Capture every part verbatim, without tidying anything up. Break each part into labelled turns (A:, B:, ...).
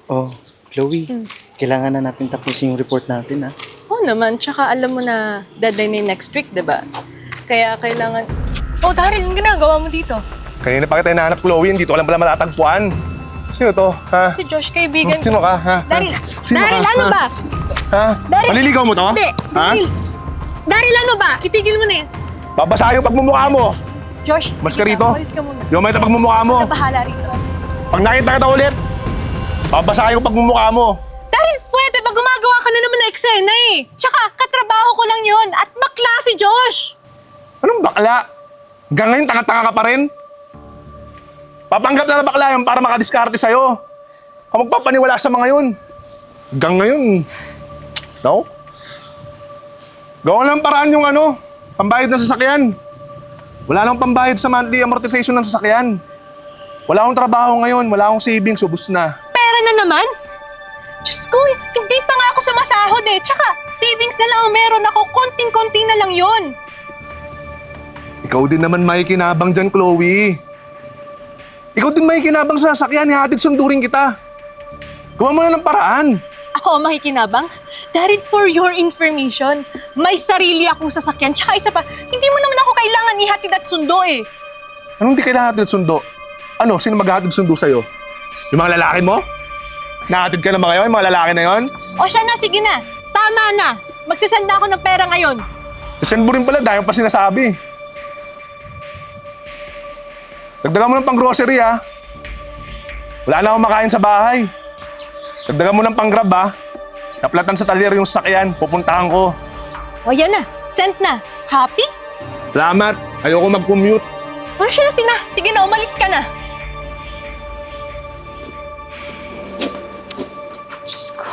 A: Oh, Chloe,
B: Hmm.
A: kailangan na natin tapusin yung report natin, ha?
B: Oo naman, tsaka alam mo na deadline na next week, diba? Kaya kailangan... Oh, Daryl, yung ginagawa mo dito?
C: Kanina pa kita hinahanap, Chloe. Hindi ko alam pala matatagpuan. Sino to, ha?
B: Si Josh, kaibigan
C: Sino ka, ha?
B: Daryl,
C: Sino
B: Daryl,
C: ka,
B: ano
C: ha?
B: ba?
C: Ha?
B: Daryl!
C: Maliligaw mo to?
B: Hindi,
C: Ha?
B: Daryl. Daryl, ano ba? Itigil mo na yan.
C: Babasahin yung pagmumukha mo.
B: Josh,
C: Mas
B: sige
C: ka rito.
B: na, umalis ka muna.
C: Yung may pagmumukha mo.
B: Ako na bahala rito.
C: Pag nakita kita ulit, babasahin yung pagmumukha mo.
B: Daryl, pwede ba gumagawa ka na naman ng eksena eh? Tsaka, katrabaho ko lang yun at bakla si Josh.
C: Anong bakla? Hanggang ngayon, tanga-tanga ka pa rin? Papanggap na na bakla yan para makadiskarte sa'yo. Kung magpapaniwala sa mga yun. Hanggang ngayon, no? Gawa lang paraan yung ano, pambayad ng sasakyan. Wala nang pambayad sa monthly amortization ng sasakyan. Wala akong trabaho ngayon, wala akong savings, ubus na.
B: Pera na naman? Diyos ko, hindi pa nga ako sumasahod eh. Tsaka, savings na lang ang meron ako. Konting-konti na lang yon.
C: Ikaw din naman may kinabang dyan, Chloe. Ikaw din may kinabang sa sasakyan, ihatid sundurin kita. Gawa mo na ng paraan.
B: Ako ang makikinabang? Daryl, for your information, may sarili akong sasakyan. Tsaka isa pa, hindi mo naman ako kailangan ihatid at sundo eh.
C: Anong di kailangan hatid sundo? Ano, sino maghahatid sundo sa'yo? Yung mga lalaki mo? Nahatid ka na ba ngayon, yung mga lalaki na yon?
B: O siya na, sige na. Tama na. Magsasend na ako ng pera ngayon.
C: Sasend mo rin pala, dahil pa sinasabi. Dagdagan mo ng pang-grocery, ha? Wala na akong makain sa bahay. Dagdagan mo ng pang-grab, ha? Naplatan sa talyer yung sasakyan, pupuntahan ko.
B: O yan na, sent na. Happy?
C: Salamat, ayoko mag-commute.
B: O siya na, sina. Sige na, umalis ka na. Diyos ko.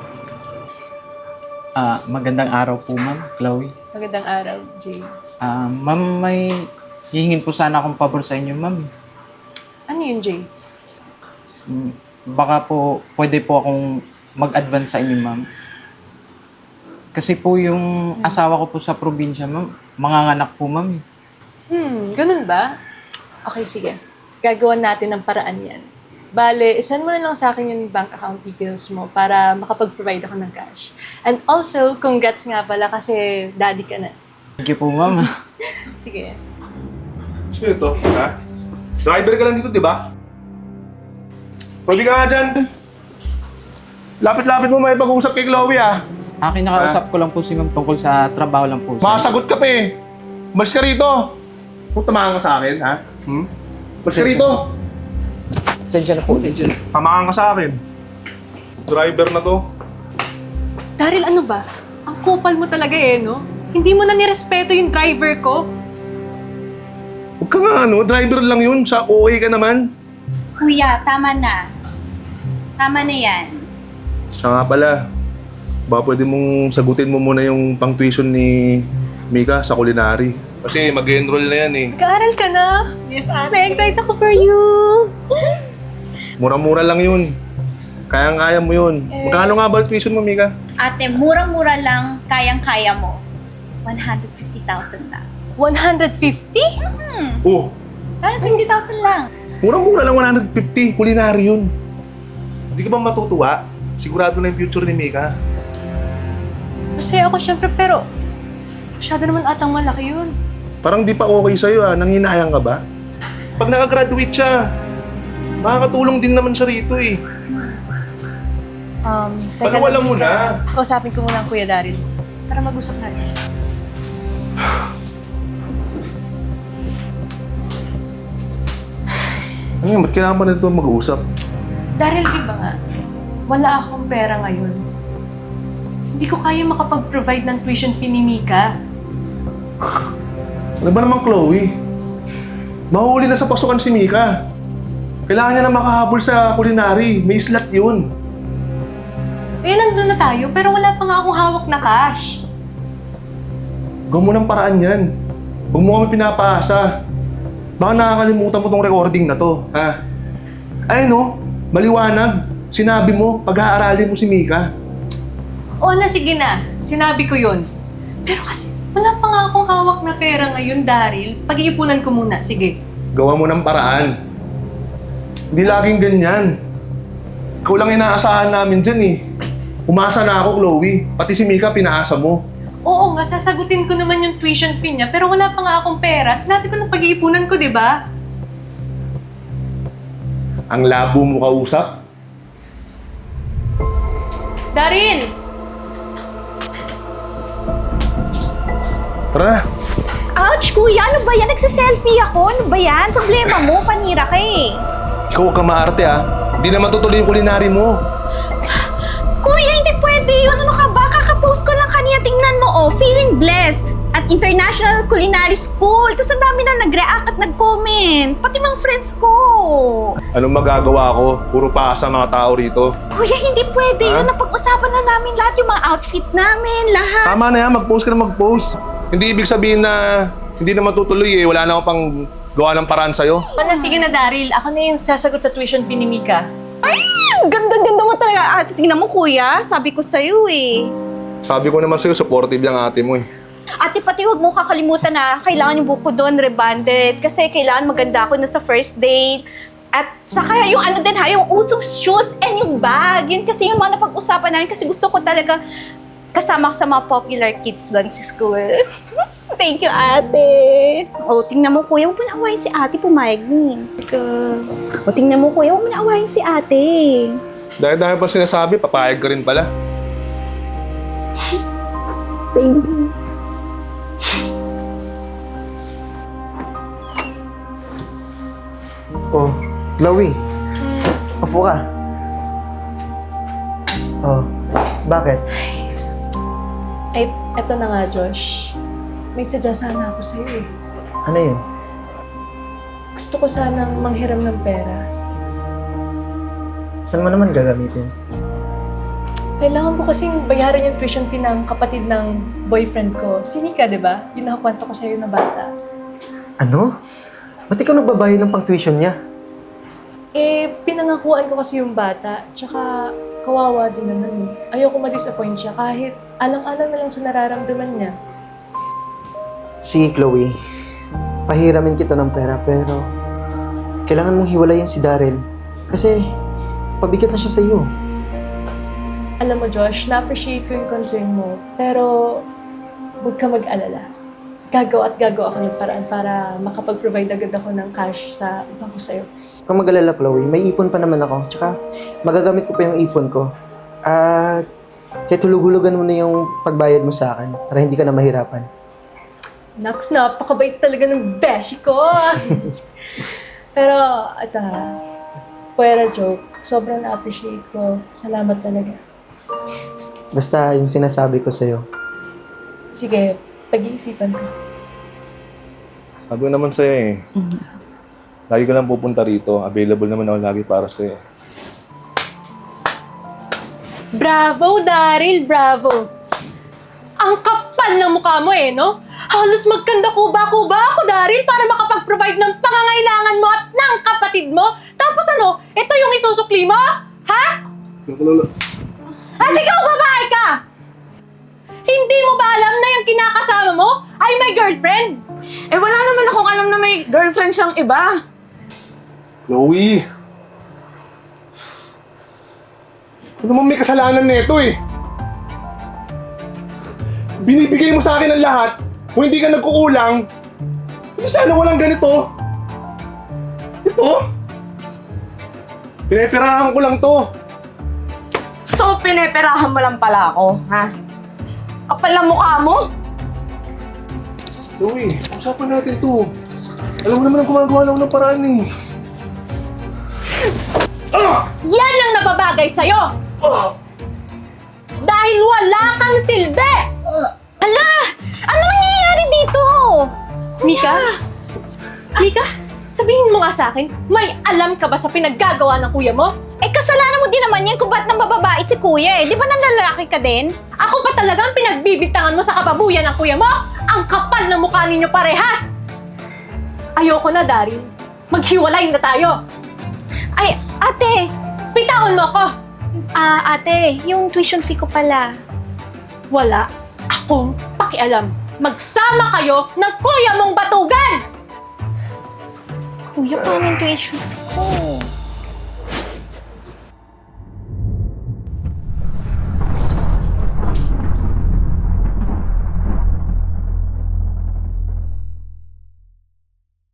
D: Ah, magandang araw po, ma'am, Chloe.
B: Magandang araw, Jay.
D: Ah, ma'am, may hihingin po sana akong pabor sa inyo, ma'am.
B: Ano yun, Jay?
D: Mm, Baka po, pwede po akong mag-advance sa inyo, ma'am. Kasi po yung asawa ko po sa probinsya, ma'am, manganganak po, ma'am.
B: Hmm, ganun ba? Okay, sige. Gagawan natin ng paraan yan. Bale, send mo na lang sa akin yung bank account details mo para makapag-provide ako ng cash. And also, congrats nga pala kasi daddy ka na.
D: Thank you po, ma'am.
B: Sige.
C: Sino ito, ha? Driver ka lang dito, di ba? Pwede ka nga dyan. Lapit-lapit mo may pag-uusap kay Chloe, ah.
D: Akin nakausap ko lang po si ma'am tungkol sa trabaho lang po.
C: Makasagot ka pa eh. Mas ka rito. Kung tamahan ka sa akin, ha? Hmm? Mas ka rito.
D: Sensya na po, sensya na.
C: Tamahan ka sa akin. Driver na to.
B: Daryl, ano ba? Ang kupal mo talaga eh, no? Hindi mo na nirespeto yung driver ko.
C: Huwag ka nga ano, driver lang yun. Sa O A ka naman.
E: Kuya, tama na. Tama na yan.
C: Siya nga pala. Baka pwede mong sagutin mo muna yung pang-tuition ni Mika sa culinary. Kasi mag-enroll na yan eh.
B: Nag-aaral ka na? Yes, ate. Na-excite ako for you.
C: Mura-mura lang yun. Kayang-kaya mo yun. Magkano nga ba ang tuition mo, Mika?
E: Ate, murang-mura lang, kayang-kaya mo. one hundred fifty thousand lang.
B: one hundred fifty?
C: Oh,
E: one hundred fifty thousand lang.
C: mura-mura lang one hundred fifty. Culinary yun. Hindi ka ba matutuwa? Sigurado na yung future ni Mika.
B: Masaya ako syempre, pero masyado naman atang malaki yun.
C: Parang di pa okay sa'yo ah. Nanghinayang ka ba? Pag nakagraduate siya, makakatulong din naman siya rito eh.
B: Um,
C: Panawalan mo
B: Mika.
C: na.
B: Kausapin ko muna ang Kuya Daryl. Para mag-usap na rin.
C: Ano yun? Ba't kailangan pa na ito mag-uusap?
B: Daryl, di ba nga? Wala akong pera ngayon. Hindi ko kaya makapag-provide ng tuition fee ni Mika.
C: Ano ba naman, Chloe? Mahuli na sa pasukan si Mika. Kailangan niya na makahabol sa culinary. May slot yun.
B: Eh, nandun na tayo, pero wala pa nga akong hawak na cash.
C: Gawin mo ng paraan yan. Huwag mo kami pinapaasa. Baka nakakalimutan mo tong recording na to, ha? Ay no, maliwanag. Sinabi mo, pag-aaralin mo si Mika.
B: O na, sige na. Sinabi ko yun. Pero kasi, wala pa nga akong hawak na pera ngayon, Daryl. Pag-iipunan ko muna. Sige.
C: Gawa mo ng paraan. Hindi laging ganyan. Ikaw lang inaasahan namin dyan eh. Umasa na ako, Chloe. Pati si Mika, pinaasa mo.
B: Oo nga, sasagutin ko naman yung tuition fee niya, pero wala pa nga akong pera. Sinabi ko ng pag-iipunan ko, di ba?
C: Ang labo mo kausap.
B: Daryl!
C: Tara na.
E: Ouch, kuya! Ano ba yan? Nagsiselfie ako. Ano ba yan? Problema mo. Panira ka eh.
C: Ikaw huwag ka maarte ah. Hindi naman tutuloy yung kulinary mo.
E: Kuya, hindi pwede yun. Ano ka ba? Kakapost ko lang kanina. Tingnan mo, oh. Feeling blessed. At International Culinary School. Tapos ang dami na nag-react at nag-comment. Pati mga friends ko.
C: Anong magagawa ko? Puro paasa mga tao rito.
E: Kuya, hindi pwede
C: Ha?
E: yun. Napag-usapan na namin lahat. Yung mga outfit namin. Lahat.
C: Tama na yan, mag-post ka na mag-post. Hindi ibig sabihin na hindi naman tutuloy eh. Wala na akong pang gawa ng paraan sa'yo.
B: Pana, sige na, Daryl. Ako na yung sasagot sa tuition fee ni Mika.
E: Ay! Ganda-ganda mo talaga. Ate, tingnan mo, kuya. Sabi ko sa'yo eh.
C: Sabi ko naman sa'yo, supportive yung ate mo eh.
E: Ate, pati huwag mo kakalimutan na kailangan yung buko doon rebanded. Kasi kailangan maganda ako na sa first date. At saka yung ano din ha, yung usong shoes and yung bag. Yun kasi yung mga napag-usapan namin kasi gusto ko talaga kasama ko sa mga popular kids doon sa school. Thank you, ate. O, tingnan mo, kuya. Huwag mo na awayin si ate, pumayag ni. O, tingnan mo, kuya. Huwag mo na awayin si ate.
C: Dahil dahil pa sinasabi, papayag ka rin pala.
E: Thank you.
A: Oh, Chloe. Upo ka. Oh, bakit?
B: Ay, eto na nga, Josh. May sadya sana ako sa'yo eh.
A: Ano yun?
B: Gusto ko sanang manghiram ng pera.
A: Saan mo naman gagamitin?
B: Kailangan ko kasing bayaran yung tuition fee ng kapatid ng boyfriend ko. Si Mika, di ba? Yung nakakwento ko sa'yo na bata.
A: Ano? Ba't ikaw nagbabayad ng pang-tuition niya?
B: Eh, pinangakuan ko kasi yung bata. Tsaka, kawawa din naman eh. Ayoko ma-disappoint siya kahit alang-alang na lang sa nararamdaman niya.
A: Sige, Chloe. Pahiramin kita ng pera, pero kailangan mong hiwalayan si Daryl. Kasi, pabigat na siya sa iyo.
B: Alam mo, Josh, na-appreciate ko yung concern mo. Pero, huwag ka mag-alala. Gagawa at gagawa ako ng paraan para makapag-provide agad ako ng cash sa bangko sa'yo.
A: Kung mag-alala, Chloe, may ipon pa naman ako. Tsaka, magagamit ko pa yung ipon ko. At, kaya tulug-hulugan mo na yung pagbayad mo sa akin para hindi ka na mahirapan.
B: Naks, napakabait talaga ng beshi ko! Pero, ito ha, pwera joke, sobrang na-appreciate ko. Salamat talaga.
A: Basta yung sinasabi ko sa'yo.
B: Sige, pag-iisipan ko.
C: Sabi ko naman sa'yo eh. Lagi ka lang pupunta rito. Available naman ako lagi para sa'yo.
B: Bravo, Daryl! Bravo! Ang kapal ng mukha mo eh, no? Halos magkanda kuba-kuba ako, Daryl, para makapag-provide ng pangangailangan mo at ng kapatid mo. Tapos ano, ito yung isusukli mo? Ha? At ikaw, babae ka! Hindi mo ba alam na yung kinakasama mo ay may girlfriend?
F: Eh, wala naman akong alam na may girlfriend siyang iba.
C: Chloe! Ano naman may kasalanan nito eh? Binibigay mo sa akin ang lahat, kung hindi ka nagkukulang, hindi sana walang ganito. Ito? Pineperahan ko lang to.
F: So, pineperahan mo lang pala ako, ha? Kapal na mukha mo?
C: Chloe, usapan natin to. Alam mo naman ang gumagawa lang ng paraan eh. Ah!
B: Yan ang nababagay sa'yo!
C: Ah!
B: Dahil wala kang silbi!
E: Ala! Ano nangyayari dito?
B: Mika? Mika, sabihin mo nga sa akin, may alam ka ba sa pinaggagawa ng kuya mo?
E: Eh, kasalanan mo din naman yan kung ba't nang bababae si kuya eh. Di ba nanlalaki ka din?
B: Ako pa talagang pinagbibintangan mo sa kababuyan ng kuya mo? Ang kapal ng mukha ninyo parehas! Ayoko na, Daryl. Maghiwalay na tayo.
E: Ay, ate!
B: Bitawan mo ako!
E: Ah, ate, yung tuition fee ko pala.
B: Wala akong pakialam. Magsama kayo ng kuya mong batugan!
E: Kuya, paano yung tuition fee ko?